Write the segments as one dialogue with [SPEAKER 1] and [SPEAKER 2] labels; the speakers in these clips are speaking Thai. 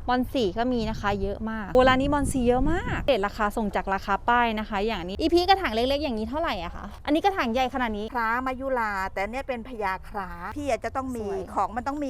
[SPEAKER 1] บอลสีก็มีนะคะเยอะมากโบราณนี้บอลสีเยอะมากเรทราคาส่งจากราคาป้ายนะคะอย่างนี้อีพีกระถางเล็กๆอย่างนี้เท่าไหร่อะคะอันนี้กระถางใหญ่ขนาดนี้
[SPEAKER 2] คล้ามายุราแต่เนี่ยเป็นพญาคล้าพี่อาจจะต้องมีของมันต้องมี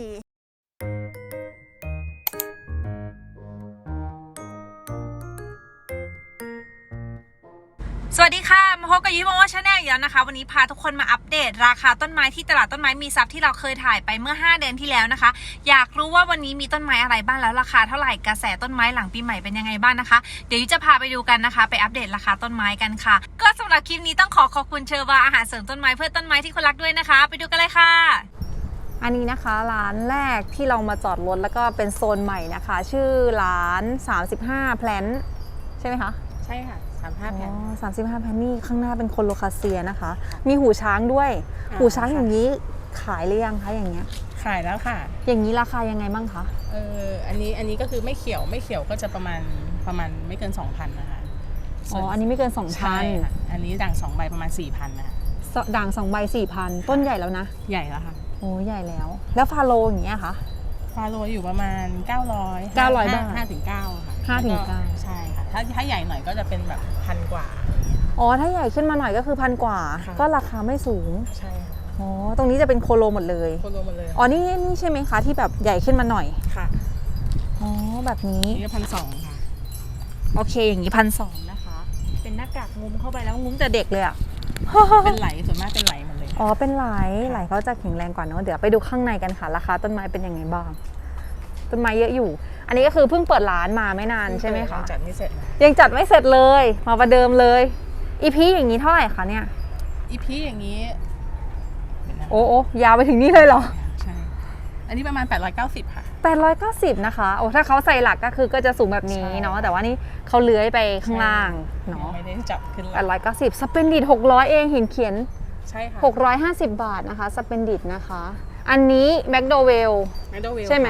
[SPEAKER 3] สวัสดีค่ะมาพบกับยิโมชาแนลอีกแล้วนะคะวันนี้พาทุกคนมาอัปเดตราคาต้นไม้ที่ตลาดต้นไม้มีทรัพย์ที่เราเคยถ่ายไปเมื่อ5 เดือนที่แล้วนะคะอยากรู้ว่าวันนี้มีต้นไม้อะไรบ้างแล้วราคาเท่าไหร่กระแสต้นไม้หลังปีใหม่เป็นยังไงบ้างนะคะเดี๋ยวจะพาไปดูกันนะคะไปอัปเดตราคาต้นไม้กันค่ะก็สำหรับคลิปนี้ต้องขอบคุณเชอร์วาอาหารเสริมต้นไม้เพื่อต้นไม้ที่คนรักด้วยนะคะไปดูกันเลยค่ะ
[SPEAKER 1] อันนี้นะคะร้านแรกที่เรามาจอดรถแล้วก็เป็นโซนใหม่นะคะชื่อร้าน35 แพลนใช่ไหมคะ
[SPEAKER 3] ใช่ค่ะ35 แผ่น
[SPEAKER 1] 35 แพลนนี่ข้างหน้าเป็นโคโลคาเซียนะคะมีหูช้างด้วยหูช้างอย่างนี้ขายหรือยังคะอย่างเงี้ย
[SPEAKER 4] ขายแล้วค่ะ
[SPEAKER 1] อย่างนี้ราคายังไงบ้างคะ
[SPEAKER 4] อันนี้ก็คือไม่เขียวก็จะประมาณไม่เกิน 2,000 นะคะ
[SPEAKER 1] อันนี้ไม่เกิน 2,000
[SPEAKER 4] ใช่ค่ะอันนี้ด่าง2 ใบประมาณ 4,000 นะคะ
[SPEAKER 1] ด่าง2 ใบ 4,000 ต้นใหญ่แล้วนะ
[SPEAKER 4] ใหญ่แล้วค่ะ
[SPEAKER 1] โอ้ใหญ่แล้วแล้วฟาโลอย่างเงี้ยคะ
[SPEAKER 4] ฟาโลอยู่ประมาณ900
[SPEAKER 1] บาท
[SPEAKER 4] 5 ถึง 9ค่ะ
[SPEAKER 1] 5 ถึง 9
[SPEAKER 4] ใช่ค่ะถ้าใหญ่หน่อยก็จะเป็นแบบ1,000 กว่า
[SPEAKER 1] ถ้าใหญ่ขึ้นมาหน่อยก็คือ1,000 กว่าก็ราคาไม่สูง
[SPEAKER 4] ใช่ค่ะ
[SPEAKER 1] ตรงนี้จะเป็นโคโลหมดเลย
[SPEAKER 4] โคโลหมดเลย
[SPEAKER 1] นี่ใช่ไหมคะที่แบบใหญ่ขึ้นมาหน่อย
[SPEAKER 4] ค่ะ
[SPEAKER 1] แบบนี้
[SPEAKER 4] นี่ก็1,200ค่ะ
[SPEAKER 1] โอเคอย่างนี้1,200นะคะเป็นหน้ากากงุ้มเข้าไปแล้วงุ้มแต่เด็กเลยอะ
[SPEAKER 4] เป็นไหลส่วนมากเป็นไหลหมดเลย
[SPEAKER 1] เป็นไหลเขาจะแข็งแรงกว่าเนอะเดี๋ยวไปดูข้างในกันค่ะราคาต้นไม้เป็นยังไงบ้างต้นไม้เยอะอยู่อันนี้ก็คือเพิ่งเปิดร้านมาไม่นานใช่ไหมคะ
[SPEAKER 4] ยังจัดไม่เสร็จ
[SPEAKER 1] เลยมาประเดิมเลยอีพีอย่างนี้เท่าไหร่คะเนี่ย
[SPEAKER 4] อีพีอย่างนี้
[SPEAKER 1] โอ้ยาวไปถึงนี่เลยเหรอ
[SPEAKER 4] ใช่อันนี้ประมาณ890ค่ะ
[SPEAKER 1] 890นะคะถ้าเขาใส่หลักก็คือก็จะสูงแบบนี้เนาะแต่ว่านี่เขาเลื้อยไปข้างล่างเนาะ
[SPEAKER 4] ไม่ได้จับขึ้นหลัก
[SPEAKER 1] 890สเปนดิต600เองเห็นเขียน
[SPEAKER 4] ใช่ค่ะ
[SPEAKER 1] 650 บาทนะคะสเปนดิตนะคะอันนี้แมคโดเวลใช่ไหม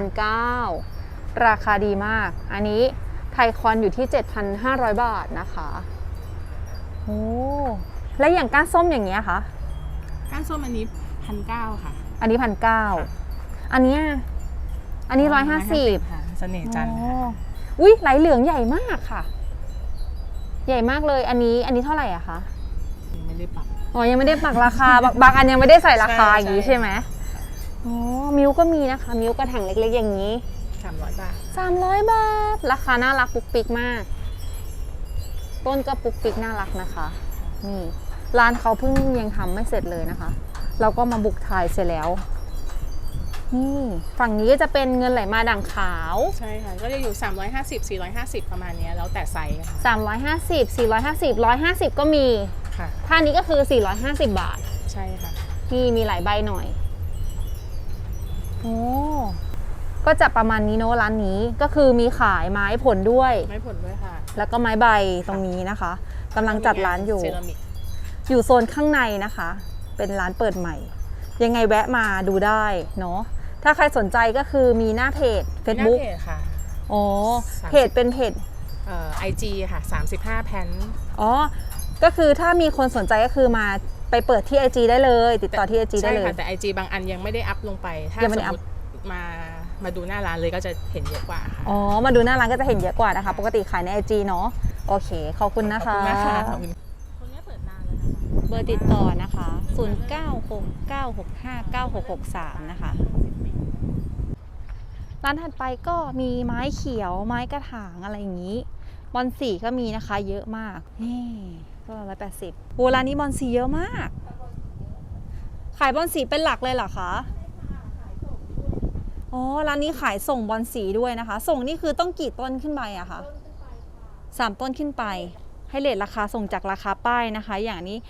[SPEAKER 1] 2,900ราคาดีมากอันนี้ไทคอนอยู่ที่ 7,500 บาทนะคะแล้วอย่างก้านส้มอย่างเงี้ยคะ
[SPEAKER 4] ก้านส้มอันนี้1,900ค่ะ
[SPEAKER 1] อันนี้1,900อันนี้150
[SPEAKER 4] ค่ะเสน่ห์จันทร์
[SPEAKER 1] อุ้ยไหลเหลืองใหญ่มากค่ะใหญ่มากเลยอันนี้เท่าไหร่อะคะ
[SPEAKER 4] ยังไม่ได้ปัก
[SPEAKER 1] ยังไม่ได้ปักราคาบางอันยังไม่ได้ใส่ราคาอย่างนี้ใช่ไหมมิวก็มีนะคะมิวกระถางเล็กๆอย่างนี้
[SPEAKER 4] 300 บาท
[SPEAKER 1] 300 บาทราคาน่ารักปุ๊กปิ๊กมากต้นก็ปุ๊กปิ๊กน่ารักนะคะนี่ร้านเขาเพิ่งยังทำไม่เสร็จเลยนะคะเราก็มาบุกถ่ายเสร็จแล้วนี่ฝั่งนี้ก็จะเป็นเงินไหลมาด่างขาว
[SPEAKER 4] ใช่ค่ะก็จะอยู่350 450ประมาณนี้แล้วแต่ไซส์ค่ะ
[SPEAKER 1] 350 450 150ก็มี
[SPEAKER 4] ค่ะ
[SPEAKER 1] ท่านี้ก็คือ450 บาท
[SPEAKER 4] ใช่ค่ะ
[SPEAKER 1] นี่มีหลายใบหน่อยก็จะประมาณนี้เนอะร้านนี้ก็คือมีขายไม้ผลด้วย
[SPEAKER 4] ค่ะ
[SPEAKER 1] แล้วก็ไม้ใบตรงนี้นะคะกำลังจัดร้านอยู่โซนข้างในนะคะเป็นร้านเปิดใหม่ยังไงแวะมาดูได้เนาะถ้าใครสนใจก็คือมีหน้าเพจ Facebook
[SPEAKER 4] ค่ะ
[SPEAKER 1] เพจเป็นเพจ
[SPEAKER 4] IG ค่ะ35 แพน
[SPEAKER 1] ก็คือถ้ามีคนสนใจก็คือมาไปเปิดที่ IG ได้เลยติดต่อที่ IG ได้เลย
[SPEAKER 4] ใช่ค่ะแต่ IG บางอันยังไม่ได้อัพลงไปถ้าสมมติมาดูหน้าร้านเลยก็จะเห็นเยอะกว่าค่ะ
[SPEAKER 1] มาดูหน้าร้านก็จะเห็นเยอะกว่านะคะปกติขายใน IG เนาะโอเคขอบคุณนะคะ
[SPEAKER 4] คนนี้เปิดนานเลยนะคะ
[SPEAKER 1] เบอร์ติดต่อนะคะ0969659663นะคะร้านถัดไปก็มีไม้เขียวไม้กระถางอะไรอย่างนี้บอลสีก็มีนะคะเยอะมากนี่ก็180โบราณนี้บอลสีเยอะมากขายบอลสีเป็นหลักเลยเหรอคะร้านนี้ขายส่งบอลสีด้วยนะคะส่งนี่คือต้องกี่ต้นขึ้นไปอะคะ3 ต้นขึ้นไปให้เรทราคาส่งจากราคาป้ายนะคะอย่างนี้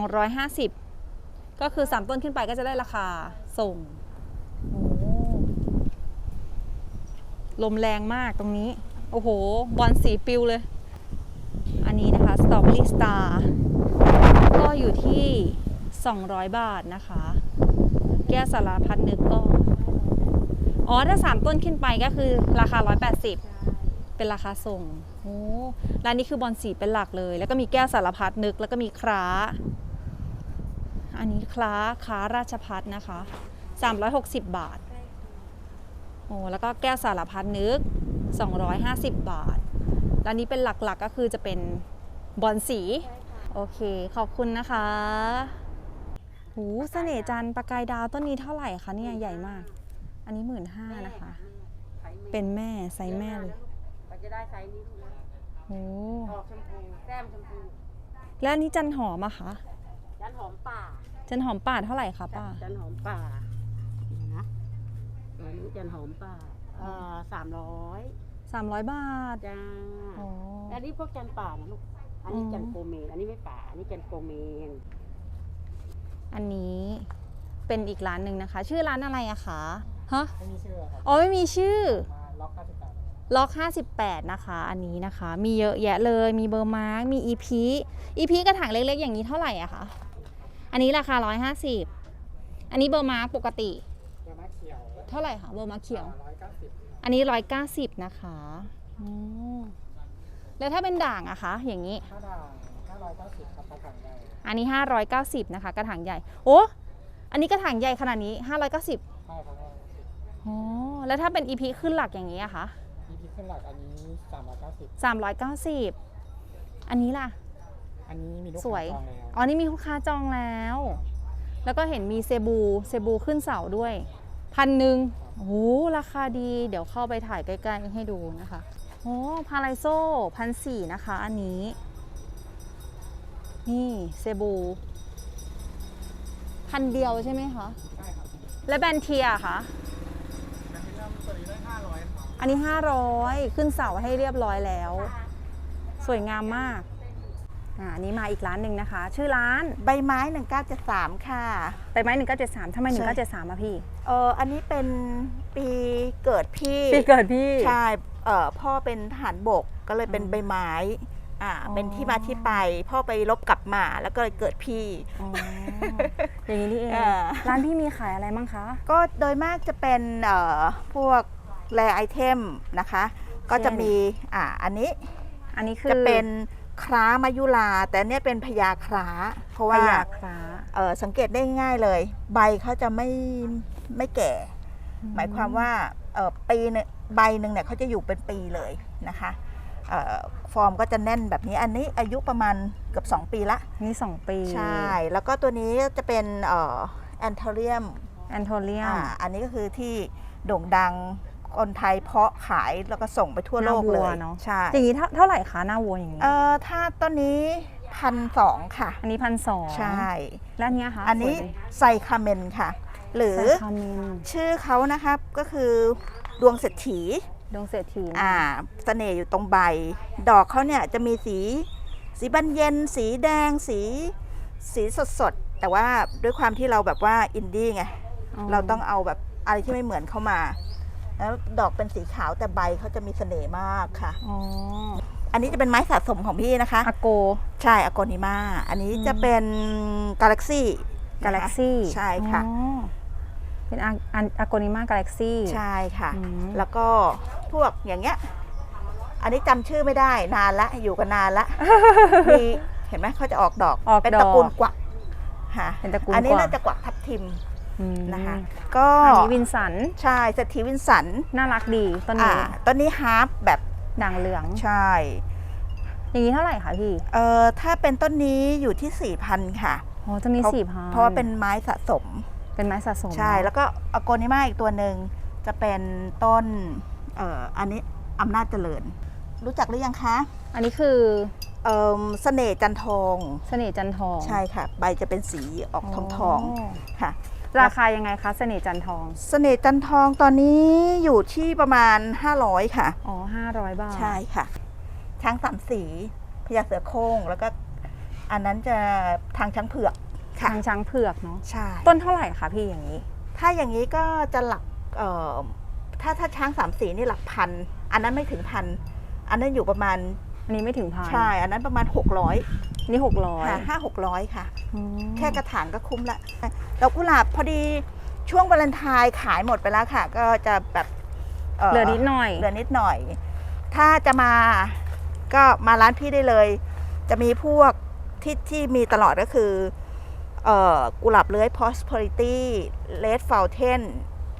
[SPEAKER 1] 250ก็คือ3 ต้นขึ้นไปก็จะได้ราคาส่งลมแรงมากตรงนี้โอ้โหบอลสีปิวเลยอันนี้นะคะสตรอเบอรี่สตาร์ก็อยู่ที่200 บาทนะคะแก้วสารพัดนึกก็ถ้า3 ต้นขึ้นไปก็คือราคา180เป็นราคาส่งร้านนี้คือบอลสีเป็นหลักเลยแล้วก็มีแก้วสารพัดนึกแล้วก็มีคล้าอันนี้คล้าราชพัฒนะคะ360 บาทโอ้แล้วก็แก้วสารพัดนึก250 บาทแล้วนี้เป็นหลักๆก็คือจะเป็นบอลสีโอเคขอบคุณนะคะหูเสน่ห์จันทร์ประกายดาวต้นนี้เท่าไหร่คะเนี่ยใหญ่มากอันนี้15,000นะคะ เป็นแม่ไซส์แม่เลย
[SPEAKER 5] ก็จะได้ไซส์นี้ลูกนะ
[SPEAKER 1] โอ้
[SPEAKER 5] ออกชมพูแก้มชมพู
[SPEAKER 1] แล้วอันนี้จันหอมอะคะ
[SPEAKER 5] จันหอมป่า
[SPEAKER 1] จันหอมป่าเท่าไหร่คะป้า
[SPEAKER 5] จันหอมป่านี่นะอันนี้จันหอมป่า300
[SPEAKER 1] 300 บาท
[SPEAKER 5] จ้า
[SPEAKER 1] อ๋อ
[SPEAKER 5] อันนี้พวกจันป่านะลูกอันนี้จันโกเมนอันนี้ไม่ป่าอันนี้จันโกเมน
[SPEAKER 1] อันนี้เป็นอีกร้านหนึ่งนะคะ ชื่อร้านอะไรอะคะฮะ
[SPEAKER 6] ไม่มีชื่อครับ
[SPEAKER 1] อ๋อไม่มีชื่อ
[SPEAKER 6] มาล็อก58
[SPEAKER 1] ล็อก58นะคะ อันนี้นะคะ มีเยอะแยะเลย มีเบอร์มาร์กมีอีพีกระถางเล็กๆอย่างนี้เท่าไหร่อะคะอันนี้ราคา150อันนี้เบอร์มาร์กปกติ
[SPEAKER 6] เบอร์มาเขียว
[SPEAKER 1] เท่าไหร่คะเบอร์มาร์กเขียว
[SPEAKER 6] 190
[SPEAKER 1] อันนี้190นะคะอืมแล้วถ้าเป็นด่างอะคะอย่างนี้
[SPEAKER 6] ถ้าด่าง590ครับกระถางใหญ่
[SPEAKER 1] อันนี้590นะคะกระถางใหญ่โอ้อันนี้กระถางใหญ่ขนาดนี้590
[SPEAKER 6] ใช่ครับ
[SPEAKER 1] อ๋อแล้วถ้าเป็น EP ขึ้นหลักอย่างนี้อะคะ
[SPEAKER 6] EP ขึ้นหลักอันนี้
[SPEAKER 1] 390
[SPEAKER 6] 390
[SPEAKER 1] อันนี้ล่ะ
[SPEAKER 6] อันนี้มีลูก
[SPEAKER 1] สวย
[SPEAKER 6] ค้าจองแล้ว
[SPEAKER 1] อ๋อนี่มีลูกค้าจองแล้ว แล้วก็เห็นมีเซบูขึ้นเสาด้วย1,000โอ้โหราคาดีเดี๋ยวเข้าไปถ่ายใกล้ๆให้ดูนะคะโอ้พาราโซ่1,400นะคะอันนี้นี่เซบู1,000 เดียวใช่ไหมคะ
[SPEAKER 6] ใช่ครับ
[SPEAKER 1] และแบนเทียคะ
[SPEAKER 6] อันนี้เริ่มตัวนี้ได้500ครับ
[SPEAKER 1] อันนี้500ขึ้นเสาให้เรียบร้อยแล้ว สวยงามมากอันนี้มาอีกร้านหนึ่งนะคะ ชื่อร้าน
[SPEAKER 2] ใบไม้1973ค่ะ
[SPEAKER 1] ใบไม้1973ทำไม1973อะพี่
[SPEAKER 2] อันนี้เป็นปีเกิดพี่
[SPEAKER 1] ปีเกิดพี่
[SPEAKER 2] ใช่พ่อเป็นทหารบกก็เลยเป็นใบไม้เป็นที่มาที่ไปพ่อไปรบกลับมาแล้วก็เลยเกิดพี่
[SPEAKER 1] อ๋ออย่างนี้นี่เอง ร้านพี่มีขายอะไรบ้างคะ
[SPEAKER 2] ก็โดยมากจะเป็นพวกแรไอเทมนะคะ ก็จะมีอันนี้
[SPEAKER 1] อันนี้คือ
[SPEAKER 2] จะเป็นคล้ามายุราแต่อันเนี้ยเป็นพญาคล้าเพราะ
[SPEAKER 1] พ
[SPEAKER 2] ว่า
[SPEAKER 1] ยาคร้า
[SPEAKER 2] สังเกตได้ง่ายเลย ใบเขาจะไม่แก่ หมายความว่าปีนึงใบหนึ่งเนี่ยเขาจะอยู่เป็นปีเลยนะคะฟอร์มก็จะแน่นแบบนี้อันนี้อายุประมาณเกือบ2 ปีละ
[SPEAKER 1] นี่2 ปี
[SPEAKER 2] ใช่แล้วก็ตัวนี้จะเป็นแอนโทเรียม
[SPEAKER 1] แอนโทเรียม
[SPEAKER 2] อันนี้ก็คือที่โด่งดังคนไทยเพาะขายแล้วก็ส่งไปทั่วโลกเลย
[SPEAKER 1] เนาะ
[SPEAKER 2] ใช่
[SPEAKER 1] อย่างนี้เท่าไหร่คะหน้าวัวอย่างนี้
[SPEAKER 2] ถ้าต้นนี้1,200ค่ะ
[SPEAKER 1] อันนี้1,200
[SPEAKER 2] ใช่
[SPEAKER 1] และอันเนี้ยคะ
[SPEAKER 2] อันนี้ไซคาเมนค่ะ หรือ
[SPEAKER 1] ไซคาเมน
[SPEAKER 2] ชื่อเขานะครับก็คือดวงเศรษฐี
[SPEAKER 1] ดวงเศรษฐี
[SPEAKER 2] เสน่ห์อยู่ตรงใบ ดอกเขาเนี่ยจะมีสีบานเย็น สีแดง สีสดๆ แต่ว่าด้วยความที่เราแบบว่าอินดี้ไง เราต้องเอาแบบอะไรที่ไม่เหมือนเข้ามา แล้วดอกเป็นสีขาวแต่ใบเขาจะมีเสน่ห์มากค่ะ
[SPEAKER 1] อ๋อ
[SPEAKER 2] อันนี้จะเป็นไม้สะสมของพี่นะคะ
[SPEAKER 1] อาโก
[SPEAKER 2] ใช่อโกนิมาอันนี้จะเป็นกาแล็กซี่
[SPEAKER 1] กาแล็กซี่
[SPEAKER 2] ใช่ค่ะ
[SPEAKER 1] เป็นอาโกนิมากาแล็กซี่
[SPEAKER 2] ใช่ค่ะ
[SPEAKER 1] อืม
[SPEAKER 2] แล้วก็พวกอย่างเงี้ย อันนี้จำชื่อไม่ได้นานละอยู่กันนานละ มีเห็นไหมเขาจะออกดอก เป็นตระกูลกวักค่ะ
[SPEAKER 1] เป็นตระกูล
[SPEAKER 2] อันนี้
[SPEAKER 1] กวัก
[SPEAKER 2] น่าจะกวักทับทิม
[SPEAKER 1] อืม
[SPEAKER 2] นะคะ ก็
[SPEAKER 1] อันนี้วินสัน
[SPEAKER 2] ใช่เศรษฐีวินสัน
[SPEAKER 1] น่ารักดีต้นนี้
[SPEAKER 2] ต้นนี้ฮาร์ปแบบ
[SPEAKER 1] ด่างเหลือง
[SPEAKER 2] ใช่
[SPEAKER 1] อย่างนี้เท่าไหร่คะพี่
[SPEAKER 2] ถ้าเป็นต้นนี้อยู่ที่ 4,000 ค่ะ
[SPEAKER 1] อ๋อต้นนี้
[SPEAKER 2] เพราะ
[SPEAKER 1] 4,000
[SPEAKER 2] เพราะว่าเป็นไม้สะสม
[SPEAKER 1] เป็นไม้สะสม
[SPEAKER 2] ใช่ แล้วก็อโกนิมาอีกตัวหนึ่งจะเป็นต้นอันนี้อำนาจเจริญ รู้จักหรือยังคะ
[SPEAKER 1] อันนี้คือ
[SPEAKER 2] เสน่ห์จันทอง
[SPEAKER 1] เสน่ห์จันทอง
[SPEAKER 2] ใช่ค่ะ ใบจะเป็นสีออกทองๆค่ะ
[SPEAKER 1] ราคายังไงคะเสน่ห์จันทอง
[SPEAKER 2] เสน่ห์จันทองตอนนี้อยู่ที่ประมาณ500ค่ะ
[SPEAKER 1] อ๋อ500 บาท
[SPEAKER 2] ใช่ค่ะ ช้างสามสีพญาเสือโคร่งแล้วก็อันนั้นจะทางช้างเผือกค่ะ
[SPEAKER 1] ทางช้างเผือกเนาะ
[SPEAKER 2] ใช่
[SPEAKER 1] ต้นเท่าไหร่คะพี่อย่างนี้
[SPEAKER 2] ถ้าอย่างนี้ก็จะหลักถ้าช้างสามสีนี่หลักพันอันนั้นไม่ถึงพันอันนั้นอยู่ประมาณ
[SPEAKER 1] อันนี้ไม่ถึงพัน
[SPEAKER 2] ใช่อันนั้นประมาณ600
[SPEAKER 1] นี่600
[SPEAKER 2] ค่ะ500-600ค่ะ
[SPEAKER 1] อืม
[SPEAKER 2] แค่กระถางก็คุ้มละดอกกุหลาบพอดีช่วงวาเลนไทน์ขายหมดไปแล้วค่ะ ก็จะแบบ
[SPEAKER 1] เหลือนิดหน่อย
[SPEAKER 2] เหลือนิดหน่อย ถ้าจะมาก็มาร้านพี่ได้เลย จะมีพวกที่มีตลอดก็คือกุหลาบเลื้อย prosperity red fountain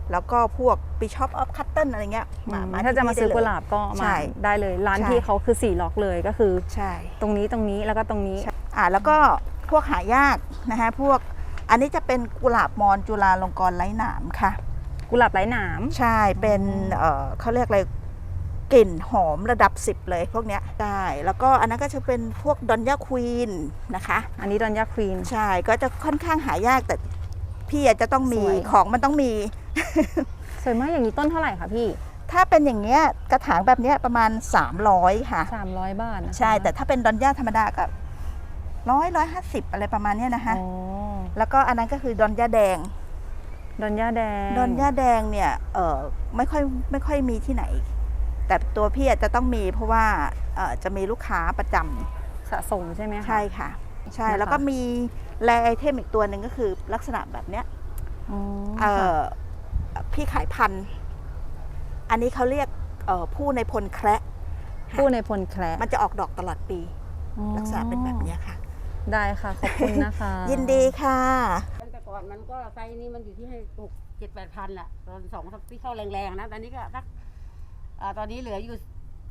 [SPEAKER 2] แล้วก็พวก Bishop of Cotton อะไรเงี้ยมา
[SPEAKER 1] ถ้าจะมาซื้อ
[SPEAKER 2] ที่
[SPEAKER 1] กุ
[SPEAKER 2] นี่
[SPEAKER 1] หลาบก็
[SPEAKER 2] ใช่
[SPEAKER 1] มาได้เลยร้าน
[SPEAKER 2] ใช่
[SPEAKER 1] ที่เขาคือ4ล็อกเลยก็คือ
[SPEAKER 2] ใช่
[SPEAKER 1] ตรงนี้แล้วก็ตรงนี้
[SPEAKER 2] แล้วก็พวกหายากนะคะพวกอันนี้จะเป็นกุหลาบมอนจุฬาลงกรณ์ไร้หนามค่ะ
[SPEAKER 1] กุหลาบไร้หนาม
[SPEAKER 2] ใช่เป็นเขาเรียกอะไรกลิ่นหอมระดับ 10 เลยพวกเนี้ยได้แล้วก็อันนั้นก็จะเป็นพวกดอนย่าควีนนะคะ
[SPEAKER 1] อันนี้ดอนยาควีน
[SPEAKER 2] ใช่ก็จะค่อนข้างหายากแต่พี่อาจจะต้องมี
[SPEAKER 1] สวย
[SPEAKER 2] ของมันต้องมี
[SPEAKER 1] สวยมากอย่างนี้ต้นเท่าไหร่คะพี่
[SPEAKER 2] ถ้าเป็นอย่างเงี้ยกระถางแบบเนี้ยประมาณ300ค่ะ
[SPEAKER 1] 300 บาทนะคะ
[SPEAKER 2] ใช่แต่ถ้าเป็นดอนย่าธรรมดาก็150อะไรประมาณเนี้ยนะคะ
[SPEAKER 1] อ๋อ
[SPEAKER 2] แล้วก็อันนั้นก็คือดอนย่าแดง
[SPEAKER 1] ดอนย่าแดง
[SPEAKER 2] ดอนย่าแดงเนี่ยไม่ค่อยมีที่ไหน แต่ตัวพี่อาจจะต้องมีเพราะว่าจะมีลูกค้าประจำ
[SPEAKER 1] สะสมใช่ไหมคะ
[SPEAKER 2] ใช่ค่ะใช่
[SPEAKER 1] นะคะ
[SPEAKER 2] แล้วก็มีแรไอเทมอีกตัวหนึ่งก็คือลักษณะแบบเนี้ย
[SPEAKER 1] อ๋อ
[SPEAKER 2] เอ่
[SPEAKER 1] ค่ะ
[SPEAKER 2] พี่ขายพันธุ์อันนี้เขาเรียกผู้ในพลแคระ
[SPEAKER 1] ผู้ในพลแคระ
[SPEAKER 2] มันจะออกดอกตลอดปี
[SPEAKER 1] อ๋อ
[SPEAKER 2] ลักษณะเป็นแบบเนี้ยค่ะ
[SPEAKER 1] ได้ค่ะขอบคุณนะคะ
[SPEAKER 2] ยินดีค่ะ
[SPEAKER 5] แต่ก่อนมันก็ไซส์นี้มันอยู่ที่ให้6-7-8 พันแหละตอน2ที่เข้าแรงๆนะตอนนี้ก็สักตอนนี้เหลืออยู่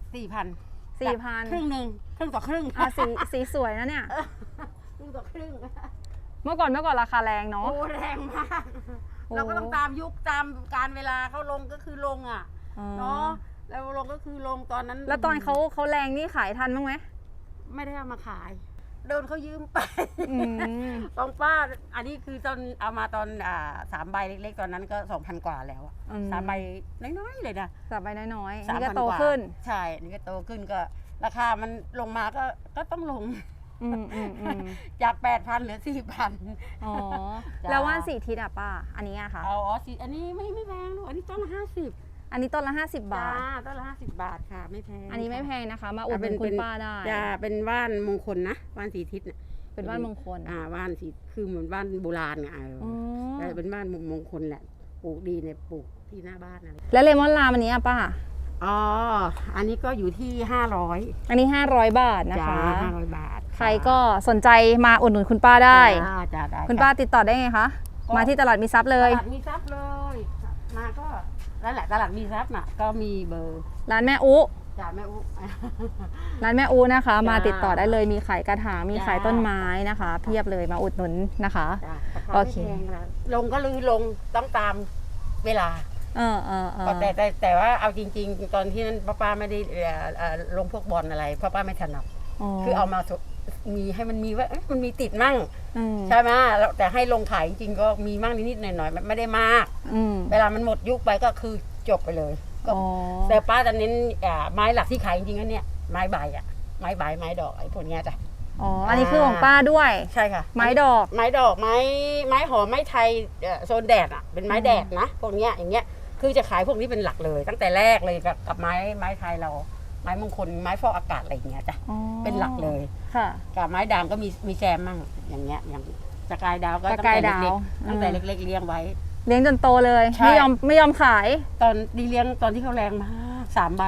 [SPEAKER 5] 4,000
[SPEAKER 1] 4,000
[SPEAKER 5] ครึ่งหนึ่งครึ่งต่อครึ่ง
[SPEAKER 1] สีสวยนะเนี่ย
[SPEAKER 5] ครึ่งต่อครึ่ง
[SPEAKER 1] เมื่อก่อนราคาแรงเนาะ
[SPEAKER 5] โอ้แรงมาก
[SPEAKER 1] โอ้
[SPEAKER 5] เราก็ต้องตามยุคตามการเวลาเขาลงก็คือลงอ่ะ
[SPEAKER 1] อ๋อ
[SPEAKER 5] เนาะแล้วลงก็คือลงตอนนั้น
[SPEAKER 1] แล้วตอนเขาแรงนี่ขายทันบ้างไหม
[SPEAKER 5] ไม่ได้เอามาขายโดนเขายืมไป
[SPEAKER 1] อืม
[SPEAKER 5] ของป้าอันนี้คือตอนเอามาตอน3 ใบเล็กๆตอนนั้นก็ 2,000 กว่าแล้วอะ
[SPEAKER 1] อืม
[SPEAKER 5] 3 ใบน้อยๆเลยนะ
[SPEAKER 1] สับไปน้อยๆ
[SPEAKER 5] 3,000
[SPEAKER 1] นี่ก็โต
[SPEAKER 5] ว่า
[SPEAKER 1] ขึ้น
[SPEAKER 5] ใช่นี่ก็โตขึ้นก็ราคามันลงมาก็ต้องลง
[SPEAKER 1] อืม
[SPEAKER 5] จาก 8,000 เหลือ 4,000
[SPEAKER 1] อ๋อ
[SPEAKER 5] จ้า
[SPEAKER 1] แล้วว่าน4 ทิศอะป้า อันนี้อะค่ะ
[SPEAKER 5] เอาสิอันนี้ไม่แพงหรอกอันนี้ต้นละ50
[SPEAKER 1] อันนี้ต้นละ50 บา
[SPEAKER 5] จ้า
[SPEAKER 1] ท
[SPEAKER 5] ต้นละ50 บาทค่ะไม่แพง
[SPEAKER 1] อันนี้ไม่แพงนะคะ มาอุดห
[SPEAKER 5] เป็
[SPEAKER 1] นุนคุณป้าได้
[SPEAKER 5] จะเป็นว่านมงคลนะว่านสีทิศน่ะ
[SPEAKER 1] เป็นว่านมงคล
[SPEAKER 5] ว่านสีคือเหมือนว่านโบราณไง
[SPEAKER 1] อ๋อ
[SPEAKER 5] แต่เป็นว่านมงคลแหละปลูกดีเนี่ยปลูกที่หน้าบ้านอะไร
[SPEAKER 1] แล้วเลมอนลามอันนี้อะป้า
[SPEAKER 5] อ๋ออันนี้ก็อยู่ที่500
[SPEAKER 1] อันนี้500 บาทนะ
[SPEAKER 5] จ้า
[SPEAKER 1] คะ
[SPEAKER 5] 500 บาท
[SPEAKER 1] ใครก็สนใจมาอุดหนุนคุณป้าได้
[SPEAKER 5] จ้าได้
[SPEAKER 1] คุณป้าติดต่อได้ไงคะ มาที่ตลาดมีทรัพย์เลย
[SPEAKER 5] ตลาดมีทรัพย์เลยมาก็นั่นแหละตลาดมีทรัพย์น่ะก็มีเบอร์
[SPEAKER 1] ร้านแม่อุ
[SPEAKER 5] จ่าแม่อุ๊
[SPEAKER 1] ร้านแม่อูนะคะ
[SPEAKER 5] จ้าม
[SPEAKER 1] มาติดต่อได้เลยมีขายกระถางมี
[SPEAKER 5] จ้า
[SPEAKER 1] ขายต้นไม้นะคะ เพียบเลยมาอุดหนุนนะคะ
[SPEAKER 5] จ้ะราคา
[SPEAKER 1] โอเค
[SPEAKER 5] ไม่แพงนะลงก็ลือลงต้องตามเวลา
[SPEAKER 1] เออ
[SPEAKER 5] แต่ว่าเอาจริง ๆ ตอนที่นั้นป้าไม่ได้ลงพวกบอลอะไรเพราะป้าไม่ถนัดคือเอามามีให้มันมีว่าเอ๊ะมันมีติดมั่ง
[SPEAKER 1] ม
[SPEAKER 5] ใช่ไหมแล้วแต่ให้ลงขายจริงๆก็มีมั่งนิดๆหน่อยๆไม่ได้มาก
[SPEAKER 1] อืม
[SPEAKER 5] เวลามันหมดยุคไปก็คือจบไปเลยก็
[SPEAKER 1] อ๋อ
[SPEAKER 5] แต่ป้าจะเน้นไม้หลักที่ขายจริงๆก็เนี่ยไม้ใบอะไม้ใบไม้ดอกไอ้พวกเนี้ยจ้ะ
[SPEAKER 1] อ๋ออันนี้คือของป้าด้วย
[SPEAKER 5] ใช่ค่ะ
[SPEAKER 1] ไม้ดอก
[SPEAKER 5] ไม้ดอกไม้หอมไม้ไทยโซนแดดอ่ะเป็นไม้แดดนะพวกเนี้ยอย่างเงี้ยคือจะขายพวกนี้เป็นหลักเลย ตั้งแต่แรกเลยกับไม้ไทยเรา ไม้มงคลไม้ฟอกอากาศอะไรอย่างเงี้ยจ้ะ
[SPEAKER 1] อ๋อ
[SPEAKER 5] เป็นหลักเลย
[SPEAKER 1] ค่ะ
[SPEAKER 5] กับไม้ด่างก็มีแซมมั่งอย่างเงี้ยอย่างสกายดาวก็
[SPEAKER 1] ส
[SPEAKER 5] ตั้ง
[SPEAKER 1] กาย
[SPEAKER 5] แต่
[SPEAKER 1] ดาว
[SPEAKER 5] เล็กๆตั้งแต่เล็กๆเลี้ยงไว้
[SPEAKER 1] เลี้ยงจนโตเลย
[SPEAKER 5] ใช่
[SPEAKER 1] ไม่ยอมขาย
[SPEAKER 5] ตอนดีเลี้ยงตอนที่เขาแรงมาก3 ใบ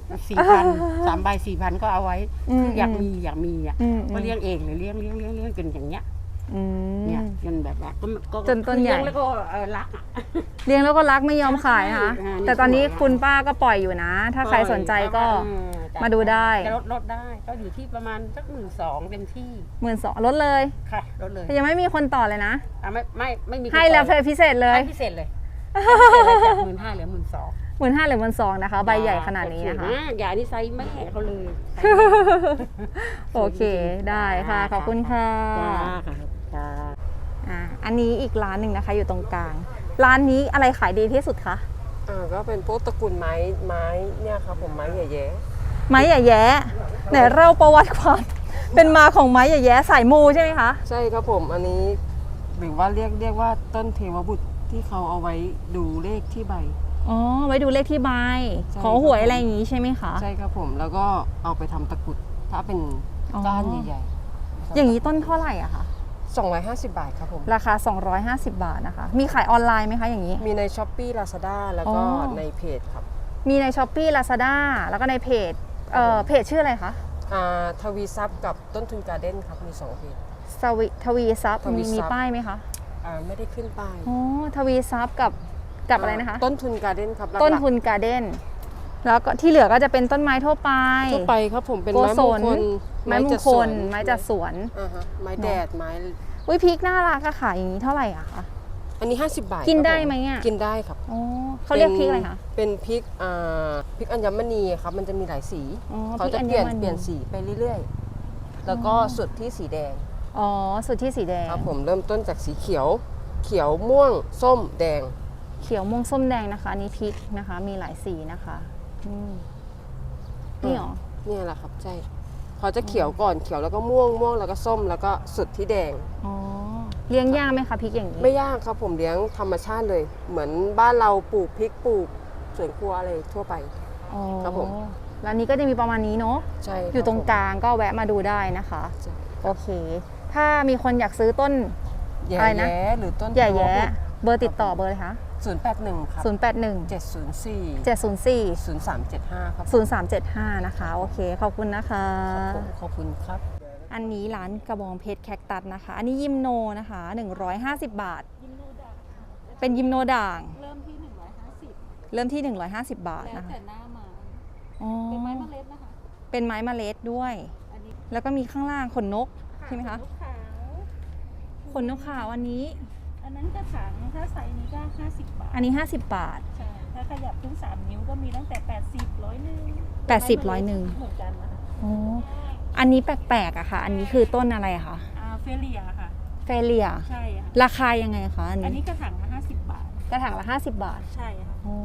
[SPEAKER 5] 4,000 3 ใบ 4,000 ก็เอาไว้
[SPEAKER 1] อืม
[SPEAKER 5] คืออยากมีอ่ะ
[SPEAKER 1] อืม
[SPEAKER 5] ก็เลี้ยงเองเลยเลี้ยงจนอย่างเงี้ย
[SPEAKER 1] อืม
[SPEAKER 5] เนี่ยจนแบบว่าก็
[SPEAKER 1] จนต้นใหญ่
[SPEAKER 5] เลี้ยงแล้วก็รักอ่ะ
[SPEAKER 1] เลี้ยงแล้วก็รักไม่ยอมขายนะคะ
[SPEAKER 5] ใช่
[SPEAKER 1] แต่ตอนนี้
[SPEAKER 5] สวยอะ
[SPEAKER 1] คุณป้าก็ปล่อยอยู่นะ ถ้าใครสนใจก็
[SPEAKER 5] จ้ะ
[SPEAKER 1] มาดูได้
[SPEAKER 5] จะลดได้ก็อยู่ที่ประมาณสัก12,000เต็มที่
[SPEAKER 1] 12,000ลดเลย
[SPEAKER 5] ค่ะลดเลย
[SPEAKER 1] แต่ยังไม่มีคนต่อเลยนะ
[SPEAKER 5] ไม่มี
[SPEAKER 1] ให้แล้วพิเศษเลย
[SPEAKER 5] ให้พิเศษเลยจาก15,000เหลือ12,000
[SPEAKER 1] 15,000หรือ12,000นะคะ ใบใหญ่ขนาดนี้นะคะ
[SPEAKER 5] ใหญ่นี่ไซส์แม่เขาเลยไซส์แม่
[SPEAKER 1] โอเคได้ค่ะ ขอบคุณค่ะ
[SPEAKER 5] จ้าค่ะจ้า
[SPEAKER 1] อันนี้อีกร้านหนึ่งนะคะ อยู่ตรงกลาง ร้านนี้อะไรขายดีที่สุดคะ
[SPEAKER 7] ก็เป็นพวกตระกูลไม้เนี่ยครับผมไม้ใหญ่
[SPEAKER 1] ไม้ใหญ่แย้ไหนเล่าประวัติความ เป็นมาของไม้ใหญ่แย้สายมูใช่ไหมคะ
[SPEAKER 7] ๆใช่ครับผมอันนี้หรือว่าเรียกว่าต้นเทวบุตรที่เขาเอาไว้ดูเลขที่ใบ
[SPEAKER 1] อ๋อ ไว้ดูเลขที่ใบ
[SPEAKER 7] ใช่
[SPEAKER 1] ขอหวยอะไรอย่างงี้ใช่ไหมคะ
[SPEAKER 7] ใช่ครับผมแล้วก็เอาไปทำตะกรุดถ้าเป็น
[SPEAKER 1] อ๋อ
[SPEAKER 7] ก้านใหญ่
[SPEAKER 1] อย่างนี้ต้นเท่าไหร่อะคะ
[SPEAKER 7] 250 บาทครับผม
[SPEAKER 1] ราคา 250 บาทนะคะ มีขายออนไลน์ไหมคะอย่างนี้
[SPEAKER 7] มีใน Shopee Lazada แล้วก็
[SPEAKER 1] อ๋อ
[SPEAKER 7] ในเพจครับ
[SPEAKER 1] มีใน Shopee Lazada แล้วก็ในเพจเพจชื่ออะไรคะ
[SPEAKER 7] ทวีซับกับต้นทุนการ์เด้นครับมี2เพจ
[SPEAKER 1] ทวีซับ
[SPEAKER 7] ทวี
[SPEAKER 1] มี
[SPEAKER 7] ซับ
[SPEAKER 1] ป้ายไหมคะ
[SPEAKER 7] ไม่ได้ขึ้นป้าย
[SPEAKER 1] อ๋อทวีซับกับกับอะไรนะคะ
[SPEAKER 7] ต้นทุนการ์เด้นครับหลักๆ
[SPEAKER 1] ต้นทุนการ์เด้นแล้วก็ที่เหลือก็จะเป็นต้นไม้ทั่วไป
[SPEAKER 7] ทั่วไปครับผมเป็น
[SPEAKER 1] โก
[SPEAKER 7] ไม้
[SPEAKER 1] ศ
[SPEAKER 7] มง
[SPEAKER 1] ล
[SPEAKER 7] คล
[SPEAKER 1] ไม้มง
[SPEAKER 7] จัด
[SPEAKER 1] ค
[SPEAKER 7] สว
[SPEAKER 1] ล
[SPEAKER 7] น
[SPEAKER 1] ไม้จัดสวน
[SPEAKER 7] อ่าฮะไม้แดดไม้
[SPEAKER 1] อุ้ยพริกน่ารักอะขายอย่างนี้เท่าไหร่อะคะ
[SPEAKER 7] อันนี้50 บาท
[SPEAKER 1] กิน
[SPEAKER 7] ครับ
[SPEAKER 1] ได้
[SPEAKER 7] ผ
[SPEAKER 1] ไหมอะ
[SPEAKER 7] กินได้ครับ
[SPEAKER 1] อ๋อเขาเรียกพริกอะไรคะ
[SPEAKER 7] เป็นพริกพริกอัญมณีครับมันจะมีหลายสี
[SPEAKER 1] อ๋อ
[SPEAKER 7] เขาจะ
[SPEAKER 1] พริก
[SPEAKER 7] เปลี่ยน
[SPEAKER 1] อัญมณี
[SPEAKER 7] เปลี่ยนสีไปเรื่อยๆ แล้วก็สุดที่สีแดง
[SPEAKER 1] อ๋อสุดที่สีแดง
[SPEAKER 7] ครับผมเริ่มต้นจากสีเขียว เขียวม่วงส้มแดง
[SPEAKER 1] เขียวม่วงส้มแดงนะคะอันนี้พริกนะคะ มีหลายสีนะคะนี่หรอ
[SPEAKER 7] เนี่ยแหละครับใช่เขาจะเขียวก่อนเขียวแล้วก็ม่วงม่วงแล้วก็ส้มแล้วก็สุดที่แดง
[SPEAKER 1] อ๋อเลี้ยงยากไหมคะพริกอย่างนี้
[SPEAKER 7] ไม่ยากครับผมเลี้ยงธรรมชาติเลย เหมือนบ้านเราปลูกพริกปลูกสวนครัวอะไรทั่วไป
[SPEAKER 1] อ๋อ
[SPEAKER 7] ครับผม
[SPEAKER 1] ร้านนี้ก็จะมีประมาณนี้เนาะ
[SPEAKER 7] ใช่คบ
[SPEAKER 1] อยู่ตรงก
[SPEAKER 7] ผม
[SPEAKER 1] ลางก็แวะมาดูได้นะคะ
[SPEAKER 7] ใช่
[SPEAKER 1] โอเค ถ้ามีคนอยากซื้อต้น
[SPEAKER 7] แย่
[SPEAKER 1] อะไรนะ
[SPEAKER 7] แย้หรือต้น
[SPEAKER 1] ใหญ่แย้เบอร์ติดต่อเบอร์เลยคะ
[SPEAKER 7] 081ครับ
[SPEAKER 1] 081
[SPEAKER 7] 704
[SPEAKER 1] 704
[SPEAKER 7] 0375ครับ
[SPEAKER 1] 0375นะคะโอเคขอบคุณนะคะ
[SPEAKER 7] ผมขอบคุณครับ
[SPEAKER 1] อันนี้ร้านกระบองเพชรแคคตัสนะคะ อันนี้ยิมโนนะคะ150 บาท เป็นยิมโนด่าง
[SPEAKER 8] เริ่มที่150
[SPEAKER 1] เริ่มที่150 บาท
[SPEAKER 8] แล้ว
[SPEAKER 1] นะคะ
[SPEAKER 8] แต่หน้ามา
[SPEAKER 1] อ๋อ
[SPEAKER 8] เป็นไม้เมล็ดนะคะ
[SPEAKER 1] เป็นไม้เมล็ดด้วย
[SPEAKER 8] อันนี้
[SPEAKER 1] แล้วก็มีข้างล่างขนนกใช่ไหมคะ
[SPEAKER 8] ลูกขาว
[SPEAKER 1] ขนนกขาวอันนี้
[SPEAKER 8] อันนั้นกระถางถ้าไซส์นี้ก็50 บาท
[SPEAKER 1] อันนี้50 บาท
[SPEAKER 8] ใช่ ถ้าขยับถึง3 นิ้วก็มีตั้งแต่80 100 นึง
[SPEAKER 1] 80 100นึง
[SPEAKER 8] เหมือนกันนะคะ
[SPEAKER 1] อ๋ออันนี้แปลกๆอะค่ะ อันนี้คือต้นอะไรอะคะ
[SPEAKER 8] เฟเลียค่ะ
[SPEAKER 1] เฟเลีย
[SPEAKER 8] ใช่ค่ะ
[SPEAKER 1] ราคายังไงคะอัน
[SPEAKER 8] อัน
[SPEAKER 1] นี้
[SPEAKER 8] นี้กระถางละ50 บาท
[SPEAKER 1] กระถางละ50 บาท
[SPEAKER 8] ใช่ค่ะ
[SPEAKER 1] อ๋อก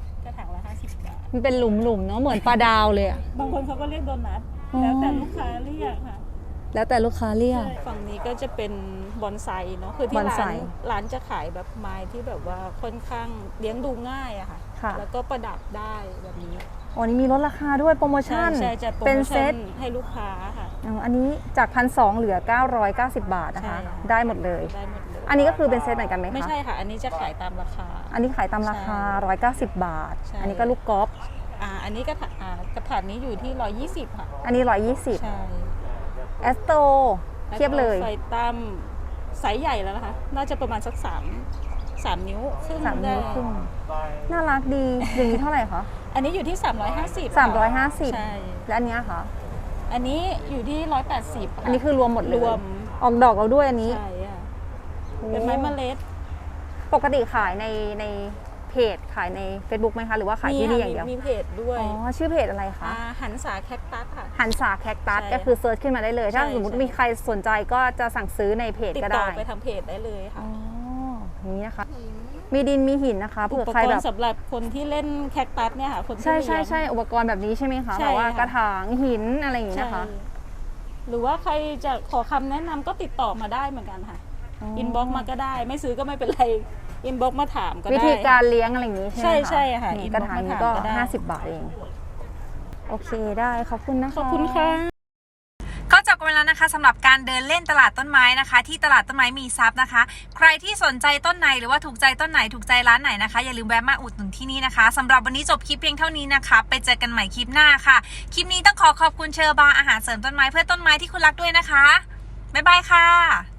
[SPEAKER 8] ระถางละ50 บาท
[SPEAKER 1] มันเป็นหลุมๆเนาะเหมือนปลาดาวเลยอะ
[SPEAKER 8] บางคนเขาก็เรียกโดนัท
[SPEAKER 1] อ๋อ
[SPEAKER 8] แล้วแต่ลูกค้าเรียกค่ะ
[SPEAKER 1] แล้วแต่ลูกค้าเรียก
[SPEAKER 8] ฝั่งนี้ก็จะเป็นบอนไซเนาะ คือที่
[SPEAKER 1] บอนไซ
[SPEAKER 8] ร้านจะขายแบบไม้ที่แบบว่าค่อนข้างเลี้ยงดูง่ายอะค่ะ
[SPEAKER 1] ค่ะ
[SPEAKER 8] แล้วก็ประดับได้แบบนี้
[SPEAKER 1] อ๋อนี่มีลดราคาด้วยโปรโม
[SPEAKER 8] ใช่
[SPEAKER 1] ชั่น
[SPEAKER 8] ใช่จะโปร
[SPEAKER 1] เป็น
[SPEAKER 8] โม
[SPEAKER 1] เซ
[SPEAKER 8] ชั่
[SPEAKER 1] ต
[SPEAKER 8] นให้ลูกค้าค่ะ
[SPEAKER 1] อ๋ออันนี้จาก1,200เหลือ 990 บาทนะคะ
[SPEAKER 8] ใช่ค่ะ
[SPEAKER 1] ได้หมดเลย
[SPEAKER 8] ได้หมดเลย
[SPEAKER 1] อันนี้ก็คือเป็นเซตเหมือนกันไหมคะ
[SPEAKER 8] ไม่ใช่ค่ะ อันนี้จะขายตามราคา
[SPEAKER 1] อันนี้ขายตามราคา 190 บาท
[SPEAKER 8] ใช่
[SPEAKER 1] อันนี้ก็ลูกกอล์ฟ
[SPEAKER 8] อันนี้กระถางนี้อยู่ที่120ค่ะ
[SPEAKER 1] อันนี้ 120
[SPEAKER 8] ใช่
[SPEAKER 1] แอสโตเทียบเลย
[SPEAKER 8] ไฟตั้มไซส์ใหญ่แล้วนะคะ น่าจะประมาณสัก3 นิ้วครึ่ง
[SPEAKER 1] 3 นิ้ว
[SPEAKER 8] ได้
[SPEAKER 1] ครึ่งน่ารักดี อย่างนี้เท่าไหร่คะ
[SPEAKER 8] อันนี้อยู่ที่350
[SPEAKER 1] 350
[SPEAKER 8] ใช่
[SPEAKER 1] และอันเนี้ยคะ
[SPEAKER 8] อันนี้อยู่ที่180ค่ะ
[SPEAKER 1] อันนี้คือรวมหมดเลย
[SPEAKER 8] รวม
[SPEAKER 1] ออกดอกเราด้วยอันนี้
[SPEAKER 8] ใช่ค่ะเป็นไม้เมล็ด
[SPEAKER 1] ปกติขายในเพจขายใน Facebook ไหมคะ หรือว่าขายที่นี่อย่างเดียว
[SPEAKER 8] มีเพจด้วย
[SPEAKER 1] อ๋อ ชื่อเพจอะไรคะ
[SPEAKER 8] หันษาแคคตัสค่ะ
[SPEAKER 1] หันษาแคคตัส
[SPEAKER 8] ใช่
[SPEAKER 1] ก็คือเซิร์ชขึ้นมาได้เลย ถ้า
[SPEAKER 8] ใช่
[SPEAKER 1] สมมติ
[SPEAKER 8] ใช่
[SPEAKER 1] มีใครสนใจก็จะสั่งซื้อในเพจ
[SPEAKER 8] ติด
[SPEAKER 1] ก็
[SPEAKER 8] ต่อ
[SPEAKER 1] ได้
[SPEAKER 8] ไปทางเพจได้เลยค่ะ
[SPEAKER 1] อ๋ออย่างนี้นะคะ มีดินมีหินนะคะ
[SPEAKER 8] อุ
[SPEAKER 1] เผื่อ
[SPEAKER 8] ป
[SPEAKER 1] ใคร
[SPEAKER 8] กร
[SPEAKER 1] แบบ
[SPEAKER 8] ณ์สำหรับคนที่เล่นแคคตัสเนี่ยค่ะคนที่
[SPEAKER 1] ใช่ใช่
[SPEAKER 8] เลี้ยง
[SPEAKER 1] ใช่อุปกรณ์แบบนี้ใช่ไหมคะ
[SPEAKER 8] ใช่
[SPEAKER 1] แบบว่า
[SPEAKER 8] ค่ะ
[SPEAKER 1] กระถางหินอะไรอย่างนี้
[SPEAKER 8] ใช่
[SPEAKER 1] นะคะ
[SPEAKER 8] หรือว่าใครจะขอคำแนะนำก็ติดต่อมาได้เหมือนกันค่ะ อินบ็อกมาก็ได้ ไม่ซื้อก็ไม่เป็นไร อินบ็อกมาถามก็ได้
[SPEAKER 1] วิธีการเลี้ยงอะไรอย่างนี้ใช่ไหมคะ
[SPEAKER 8] ใช่ใช่ค่ะ
[SPEAKER 1] นี่
[SPEAKER 8] inbox
[SPEAKER 1] กระถางนี้ก็
[SPEAKER 8] มาถามก็ได้
[SPEAKER 1] 50 บาทเอง โอเคได้ขอบคุณนะคะ
[SPEAKER 8] ขอบคุณค่ะ
[SPEAKER 3] ก็จบกันไปแล้วนะคะสำหรับการเดินเล่นตลาดต้นไม้นะคะ ที่ตลาดต้นไม้มีทรัพย์นะคะ ใครที่สนใจต้นไหนหรือว่าถูกใจต้นไหนถูกใจร้านไหนนะคะอย่าลืมแวะมาอุดหนุนที่นี่นะคะสำหรับวันนี้จบคลิปเพียงเท่านี้นะคะไปเจอกันใหม่คลิปหน้าค่ะคลิปนี้ต้องขอบคุณเชอร์บาร์อาหารเสริมต้นไม้เพื่อต้นไม้ที่คุณรักด้วยนะคะบ๊ายบายค่ะ